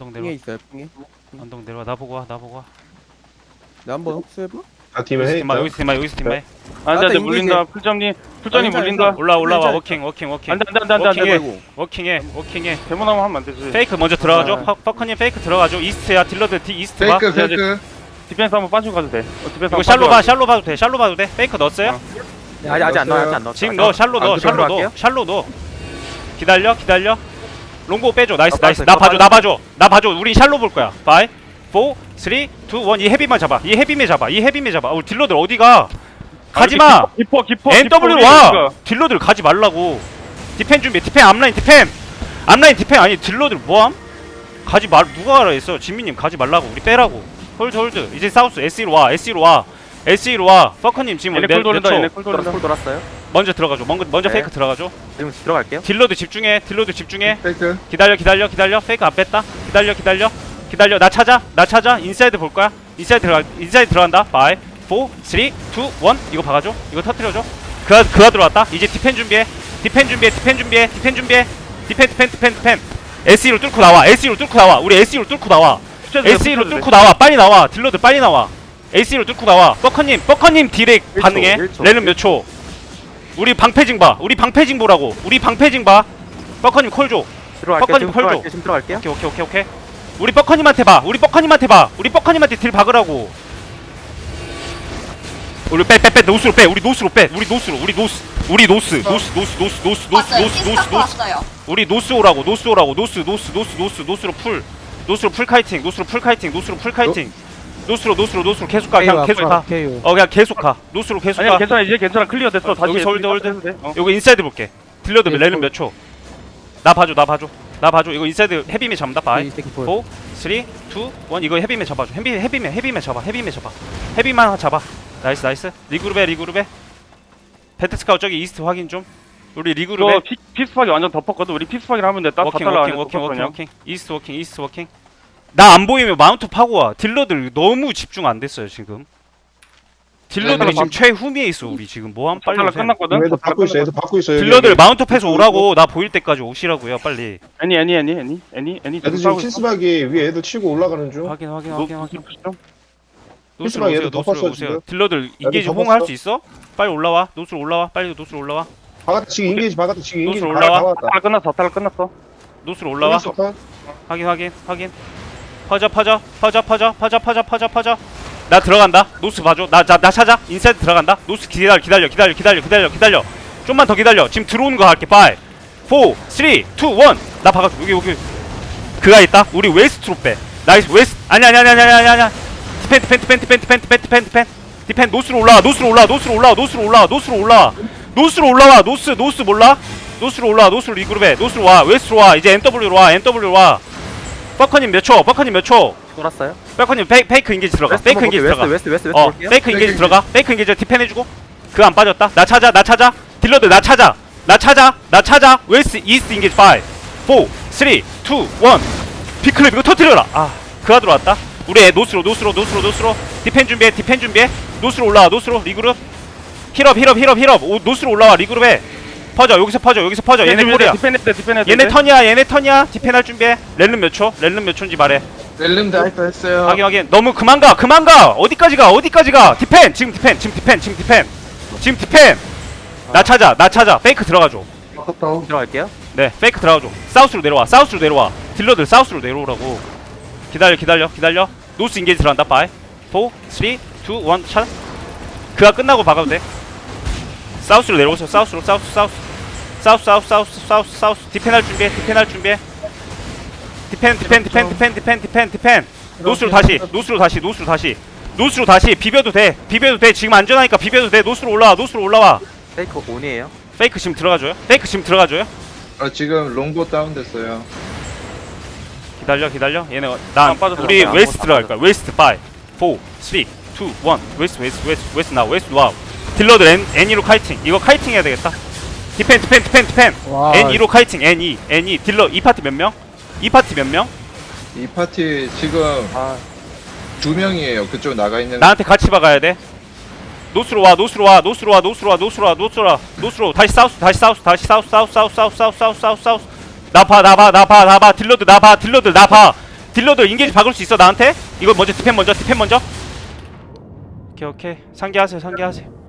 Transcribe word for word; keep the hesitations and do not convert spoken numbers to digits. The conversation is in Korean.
언덕 핑에 내려와. 있어요 핑에. 언덕 내려와. 나 보고 와. 나 보고 와. 나 한번 흡수해봐. 아 팀에 여기서 해 팀마 있다. 여기서 팀마 여기서 팀마. 안돼 안돼 나한테 물린다. 풀점님 풀점님 괜찮아, 물린다. 괜찮아. 올라 올라와. 괜찮아. 워킹 워킹 워킹. 안돼 안돼 안돼 안돼 워킹해. 안돼. 워킹해. 워킹해. 데모나무 하면 안 되지. 페이크 먼저 들어가죠. 아. 퍼- 퍼커님 페이크 들어가죠. 이스트야. 딜러들 디 이스트 봐. 페이크 페이크 디펜스 한번 빠지고 가도 돼. 어, 디펜스 이거 한번 샬로 봐. 빠지고 샬로 봐도 돼. 샬로 봐도 돼. 페이크 넣었어요? 어. 네, 아직 아직 안 넣어 아직 안 넣어. 지금 넣어. 샬로 넣어. 아, 샬로 넣어. 할게요? 샬로 넣어. 기다려. 기다려. 롱고 빼줘. 나이스 아, 나이스. 빠졌어요. 나 아, 봐줘. 나 봐줘. 나 봐줘. 우린 샬로 볼 거야. 파이 사 삼 이 일. 이 헤비만 잡아. 이 헤비맨 잡아. 이 헤비맨 잡아. 우리 딜러들 어디가? 가지마. 깊어 깊어. 엔더블유 깊어, 와. 깊어. 딜러들 가지 말라고. 디펜 준비. 디펜 앞라인 디펜. 앞라인 디펜 아니 딜러들 뭐함? 가지 말 누가 하라 했어? 진미님 가지 말라고. 우리 빼라고. 홀드 홀드. 이제 사우스 에스이로 와. 에스이로 와. 에스이로 와. 퍼커님 지금 얘네 몇- 쿨 몇 돌린다. 초? 얘네 쿨 돌린다. 콜 돌았어요. 먼저 들어가죠. 먼저 먼저 네. 페이크 들어가죠. 지금 들어갈게요. 딜러들 집중해. 딜러들 집중해. 페이크 기다려 기다려 기다려. 페이크 안 뺐다. 기다려 기다려. 기다려. 나 찾아. 나 찾아. 인사이드 볼 거야. 인사이드 들어가. 인사이드 들어간다. 파이 사 삼 이 일. 이거 박아줘. 이거 터트려줘. 그가 그가 들어왔다. 이제 디펜 준비해. 디펜 준비해. 디펜 준비해. 디펜 준비해. 디펜 디펜 디펜 디펜. 에스이로 뚫고 나와. 에스이로 뚫고 나와. 우리 에스이로 뚫고 나와. 에스이로 뚫고 나와. 빨리 나와. 딜러들 빨리 나와. 에스이로 뚫고 나와. 버커님, 버커님 딜에 일 초, 반응해. 일 초. 렐름 몇 초? 우리 방패징 봐. 우리 방패징 보라고. 우리 방패징 봐. 버커님 콜 줘. 들어갈게요. 뻑거님 지금 콜 줘. 들어갈게요. 지금 들어갈게요. 오케이 오케이 오케이 오케이. 우리 버커님한테 봐. 우리 버커님한테 봐. 우리 버커님한테 딜 박으라고. 우리 빼 빼 빼 노스로 빼. 우리 노스로 빼. 우리 노스로. 우리 노스. 우리 노스. 노스 노스 노스 노스 노스 왔어요. 노스 노스 피스타코 노스. 왔어요. 우리 노스 오라고. 노스 오라고. 노스 노스 노스 노스 노스로 풀. 노스로 풀 카이팅. 노스로 풀 카이팅. 노스로 풀 카이팅. 노스로 노스로 노스로 계속 가. 그냥 계속 가. 어 그냥 계속 가. 노스로 계속 아니야 가. 괜찮아 이제 괜찮아 클리어 됐어. 어, 다시 여기서 홀드, 홀드. 해도 돼. 어. 요거 인사이드 볼게. 딜러드 네, 렐름 홀. 몇 초? 나 봐줘. 나 봐줘. 나 봐줘. 이거 인사이드 헤비메 잡는다. 파이 사 삼 이 일. 이거 헤비메 잡아줘. 헤비 헤비메 헤비메 잡아. 헤비메 잡아. 헤비만 잡아. 나이스 나이스. 리그룹에 리그룹에. 배트스카우 저기 이스트 확인 좀. 우리 리그룹에. 이거 피- 피스팍이 완전 덮었거든. 우리 피스팍이 하면 됐다. 워킹 다 워킹 따라가네, 워킹 워킹 덮었거든요. 워킹. 이스트 워킹 이스트 워킹. 나 안 보이면 마운트 파고 와. 딜러들 너무 집중 안 됐어요 지금. 딜러들이 네, 지금 최후미에 있어 우리 지금 뭐함 빨리 탈락 오세요. 끝났거든. 애들 받고 있어. 애들 받고 있어. 여기, 딜러들 여기. 마운트 패스 오라고. 나 보일 때까지 오시라고요 빨리. 애니 애니 애니 애니 애니 애니 애들 지금 킨스박이 위에 애들 치고 올라가는 중. 확인 확인 노 확인 확인. 노 노스로 필수방 오세요. 얘들 노스로 덮었어, 오세요. 지금. 딜러들 인게이지 덮었어. 호응할 수 있어? 빨리 올라와. 노스로 올라와. 빨리 노스로 올라와. 바깥에 지금 인게이지 바깥에 지금 인게이지 노스로 바깥에 올라와. 다 왔다. 탈락 끝났어. 탈락 끝났어. 노스로 올라와. 끝났어, 컷. 확인 확인 확인. 퍼져 퍼져 퍼져 퍼져 퍼져 퍼져 퍼져 퍼져. 나 들어간다. 노스 봐줘. 나 나 나 찾아. 인사이드 들어간다. 노스 기다려 기다려 기다려 기다려 기다려 기다려. 좀만 더 기다려. 지금 들어오는 거 할게. 파이 사 삼 이 일. 나 박아. 여기 여기. 그가 있다. 우리 웨스트로 빼. 나이스 웨스트. 아니 아니 아니 아니 아니 아니. 디펜 디펜 디펜 디펜 디펜 디펜 디펜 디펜. 디펜 노스로 올라와. 노스로 올라와. 노스로 올라와. 노스로 올라와. 노스로 올라와. 노스로 올라와. 노스 노스 몰라? 노스로 올라와. 노스로 리그룹에. 노스로 와. 웨스트로 와. 이제 엔더블유로 와. 엔더블유로 와. 버커님 몇 초? 버커님 몇 초? 돌았어요. 버커님 페이, 페이크 인게이지 들어가. 웨스트 페이크 한번 인게이지 볼게요. 들어가. 웨스트 웨스트 웨스트 어, 볼게요. 페이크 인게이지 페이크 들어가. 페이크 인게이지 디펜 해주고. 그거 안 빠졌다. 나 찾아. 나 찾아. 딜러들 나 찾아. 나 찾아. 나 찾아. 웨스트 이스트 인게이지 오, 사, 삼, 이, 일. 비클립 이거 터뜨려라. 아, 그가 들어왔다. 우리 애 노스로 노스로 노스로 노스로. 디펜 준비해. 디펜 준비해. 노스로 올라와. 노스로 리그룹. 힐업 힐업 힐업 힐업. 오, 노스로 올라와. 리그룹에. 퍼져. 여기서 퍼져. 여기서 퍼져. 얘네 콜이야. 디펜했대 디펜했대. 얘네 턴이야. 얘네 턴이야. 디펜 할 준비해. 렐름 몇 초? 렐름 몇 초인지 말해. 렐름 다이프 했어요. 확인 확인. 너무 그만 가. 그만 가. 어디까지 가? 어디까지 가? 디펜. 지금 디펜. 지금 디펜. 지금 디펜. 지금 디펜. 나 찾아. 나 찾아. 페이크 들어가 줘. 바꿨다. 들어갈게요. 네. 페이크 들어가 줘. 사우스로 내려와. 사우스로 내려와. 딜러들 사우스로 내려오라고. 기다려. 기다려. 기다려. 노스 인게이지 들어간다. 파이 사, 삼, 이, 일. 차. 그가 끝나고 박아도 돼. 사우스로 내려오세요. 사우스로. 사우스 사우스. 사우스 사우스 사우스 사우스 사우스. 디펜 할 준비해. 디펜 할 준비해. 디펜 디펜 디펜 디펜 디펜 디펜 디펜. 노스로 다시. 노스로 다시. 노스로 다시. 노스로 다시. 비벼도 돼. 비벼도 돼. 지금 안전하니까 비벼도 돼. 노스로 올라와. 노스로 올라와. 페이크 온이에요. 페이크 지금 들어가줘요. 페이크 지금 들어가줘요. 아 지금 롱보 다운됐어요. 기다려 기다려. 얘네 어- 난 안 빠졌어. 우리 안 웨스트 빠졌어. 들어갈 거야. 웨스트 오, 사, 삼, 이, 일. 웨스트 웨스트 웨스트 웨스트 나 웨스트 와우. 딜러들 N N이로 카이팅. 이거 카이팅 해야 되겠다. 디펜 디펜 디펜 디펜. N이로 카이팅. N2 N2 딜러 이 파티 몇 명? 이 파티 몇 명? 이 파티 지금 아 두 명이에요. 그쪽 나가 있는. 나한테 같이 박아야 돼. 노스로 와 노스로 와 노스로 와 노스로 와 노스로 와 노스로 와 노스로 다시 사우스 다시 사우스 다시 사우스 사우스 사우스 사우스 사우스 사우스 사우스 사우스. 나 봐 나 봐 나 봐 나 봐 딜러들 나 봐 딜러들 나 봐 딜러도 인게이지 박을 수 있어 나한테. 이거 먼저 디펜 먼저 디펜 먼저. 오케이 오케이 상기하세요 상기하세요.